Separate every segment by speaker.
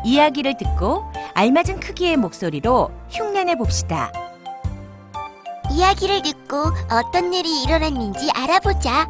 Speaker 1: 이야기를 듣고 알맞은 크기의 목소리로 흉내내 봅시다.
Speaker 2: 이야기를 듣고 어떤 일이 일어났는지 알아보자.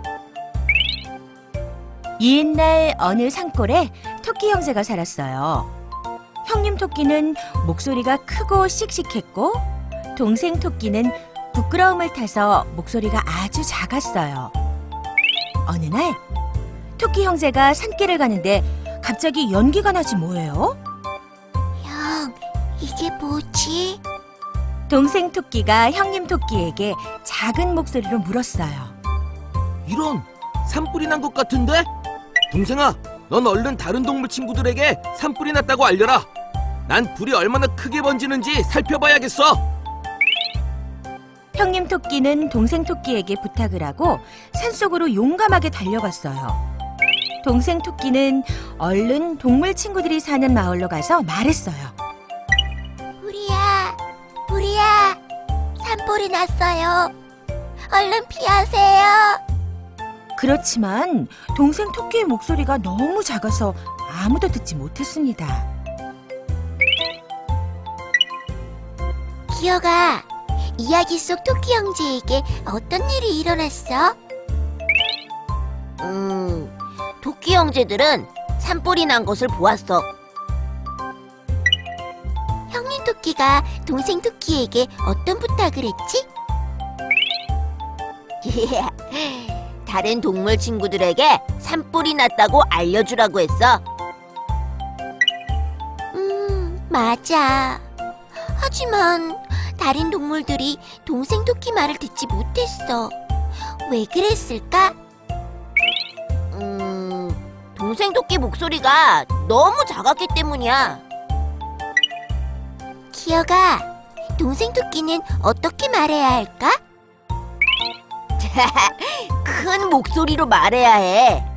Speaker 1: 옛날 어느 산골에 토끼 형제가 살았어요. 형님 토끼는 목소리가 크고 씩씩했고 동생 토끼는 부끄러움을 타서 목소리가 아주 작았어요. 어느 날 토끼 형제가 산길을 가는데 갑자기 연기가 나지 뭐예요?
Speaker 2: 형, 이게 뭐지?
Speaker 1: 동생 토끼가 형님 토끼에게 작은 목소리로 물었어요.
Speaker 3: 이런, 산불이 난 것 같은데? 동생아, 넌 얼른 다른 동물 친구들에게 산불이 났다고 알려라. 난 불이 얼마나 크게 번지는지 살펴봐야겠어.
Speaker 1: 형님 토끼는 동생 토끼에게 부탁을 하고 산속으로 용감하게 달려갔어요. 동생 토끼는 얼른 동물 친구들이 사는 마을로 가서 말했어요.
Speaker 2: 우리야, 산불이 났어요. 얼른 피하세요.
Speaker 1: 그렇지만 동생 토끼의 목소리가 너무 작아서 아무도 듣지 못했습니다.
Speaker 2: 기어가, 이야기 속 토끼 형제에게 어떤 일이 일어났어?
Speaker 4: 토끼 형제들은 산불이 난 것을 보았어.
Speaker 2: 형님 토끼가 동생 토끼에게 어떤 부탁을 했지?
Speaker 4: 다른 동물 친구들에게 산불이 났다고 알려주라고 했어.
Speaker 2: 맞아. 하지만 다른 동물들이 동생 토끼 말을 듣지 못했어. 왜 그랬을까?
Speaker 4: 동생 토끼 목소리가 너무 작았기 때문이야.
Speaker 2: 기어가, 동생 토끼는 어떻게 말해야 할까?
Speaker 4: 큰 목소리로 말해야 해.